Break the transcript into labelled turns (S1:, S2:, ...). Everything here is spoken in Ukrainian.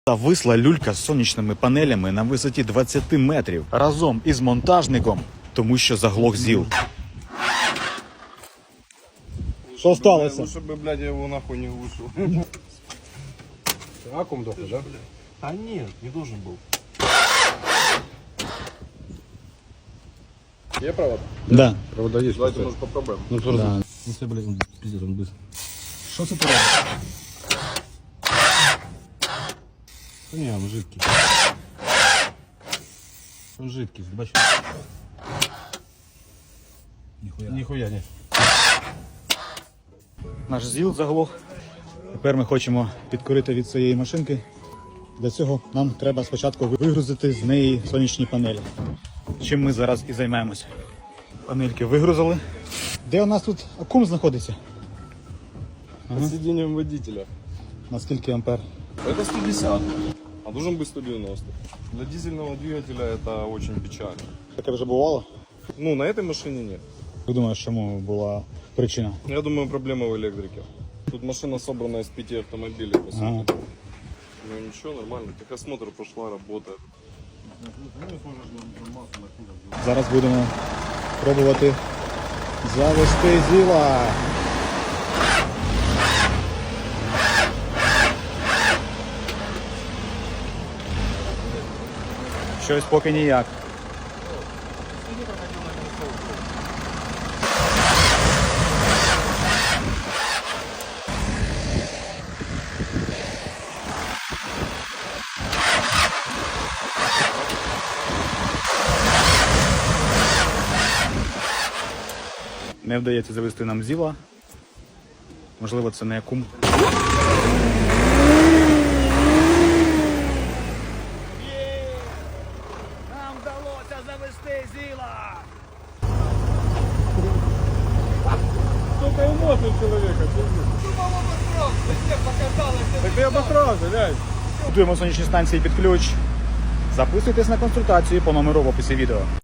S1: Зависла люлька з сонячними панелями на висоті 20 метрів разом із монтажником, тому що заглох ЗІЛ. Що сталося?
S2: Лучше бы, блядь, я его нахуй не глушил.
S3: Аккум дохлый, да?
S2: А нет, не должен был.
S3: Є провод?
S1: Да.
S3: Провода есть.
S2: Давайте, может, попробуем.
S3: Ну, тоже.
S1: Да.
S3: Ну, все, блядь, он пиздец, он быстро.
S1: Що це таке?
S3: Да не, он жидкий. Он жидкий, бачиш? Нихуя не.
S1: Наш ЗІЛ заглох. Тепер ми хочемо підкорити від цієї машинки. Для цього нам треба спочатку вигрузити з неї сонячні панелі. Чим ми зараз і займаємося. Панельки вигрузили. Де у нас тут акум знаходиться?
S2: Под сиденьем водителя.
S1: На скільки ампер?
S2: Это 150, а должен быть 190. Для дизельного двигателя это очень печально.
S1: Таке вже бувало?
S2: Ну, на этой машине нет.
S1: Ти думаєш, чому була причина?
S2: Я думаю, проблема в электрике. Тут машина собрана из 5 автомобилей, по сути.
S1: Ага.
S2: Ну ничего, нормально. Техосмотр прошла, работает.
S1: Зараз будемо пробувати завести ЗІЛа. Щось поки ніяк. Не вдається завести нам ЗІЛа. Можливо, це не акум.
S4: Нам вдалося завести ЗІЛа!
S2: Только эмоции человека. Так ты обосрался, блядь.
S1: Будуємо сонячні станції під ключ. Записуйтесь на консультацію по номеру в описі відео.